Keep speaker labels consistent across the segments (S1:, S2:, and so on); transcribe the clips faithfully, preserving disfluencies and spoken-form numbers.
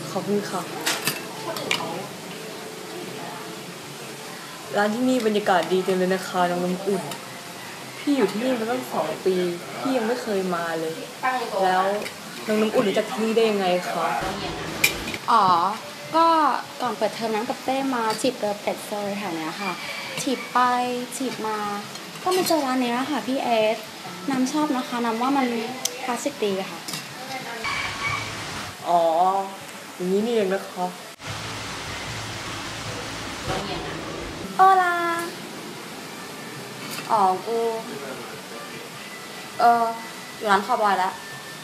S1: ขอบคุณค่ะร้านที่นี่บรรยากาศดีจังเลยนะคะน้องน้ำอุ่นพี่อยู่ที่นี่มาตั้งสองปีพี่ยังไม่เคยมาเลยแล้วน้องน้ำอุ่นรู้จักที่นี่ได้ยังไงคะ
S2: อ๋อก็ก่อนเปิดเทอมน้ำกับเต้มาจีบเรือเป็ดโซยแถวเนี้ยค่ะจีบไปจีบมาก็มาเจอร้านนี้ค่ะพี่เอสน้ำชอบนะคะน้ำว่ามันคลาสสิกดีค่ะ
S1: อ๋ออย่างนี้นี่เองนะคะ
S2: โอลาอ๋อกูเอออยู่ร้านคาวบอยแล้ว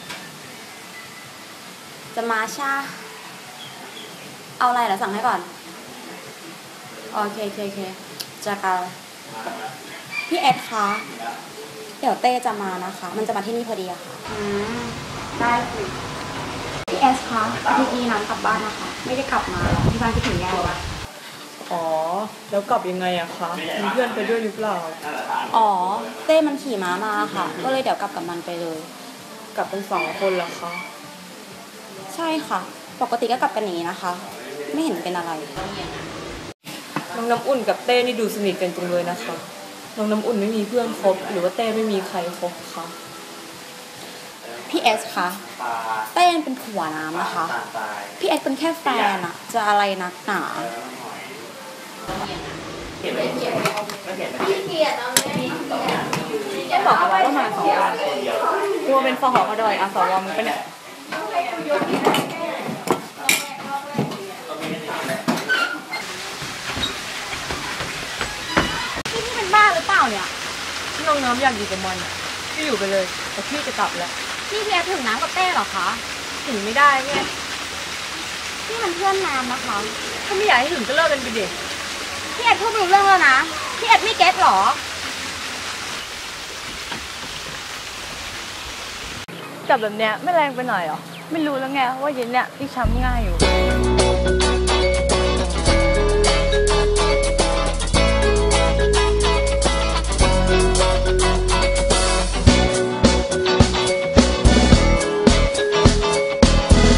S2: จะมาชาเอาอะไรเดี๋ยวสั่งให้ก่อนโอเคโอเคโอเคจะกันพี่เอสคะเดี๋ยวเต้จะมานะคะมันจะมาที่นี่พอดีอะค่ะอืมได้คือพี่เอสคะอาทิตย์นี้น้ำกลับบ้านนะคะไม่ได้กลับมาที่บ้านที่ถึงแย่เลย
S1: อ๋อแล้วกลับยังไงอะคะมีเพื่อนไปด้วยหรือเปล่า
S2: อ๋อเต้มันขี่ม้ามาค่ะก็เลยเดี๋ยวกลับกับมันไปเลย
S1: กลับเป็นสองคนเหรอคะ
S2: ใช่ค่ะปกติก็กลับกันอย่างนี้นะคะไม่เห็นเป็นอะไร
S1: น้องน้ำอุ่นกับเต้นี่ดูสนิทกันจังเลยนะคะน้องน้ำอุ่นไม่มีเพื่อนคบหรือว่าเต้ไม่มีใครคบคะ
S2: พี่เอสคะเต้เป็นผัวน้ำนะคะพี่เอสเป็นแค่แฟนอะจะอะไรนักหนา
S1: พี่เกียรติต้องบอกเอาไว้ว่ามาสองคนกลัวเป็นฟอหอก็ดอยอาสวมึงเป็นเนี่ย
S2: พี่นี่เป็นบ้าหรือเปล่าเนี่ย
S1: ที่น้องน้ำอยากอยู่กับมันพี่อยู่ไปเลยแต่พี่จะกลับแล้ว
S2: พี่เพียถึงน้ำกับเต้หรอคะ
S1: ถึงไม่ได้เนี่ย
S2: พี่มันเพื่อนน้ำนะคะ
S1: ถ้าไม่อยากให้ถึงก็เลิกกันไปดิ
S2: พี่เอ็ดพูดรู้เรื่องแล้วนะพี่เอ็ดไม่เก็ตหรอ
S1: จับแบบเนี้ยไม่แรงไปหน่อยหรอไม่รู้แล้วไงว่าเย็นเนี้ยพี่ช้ำง่ายอยู่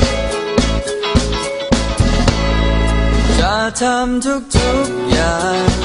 S3: จะทำทุกๆอย่าง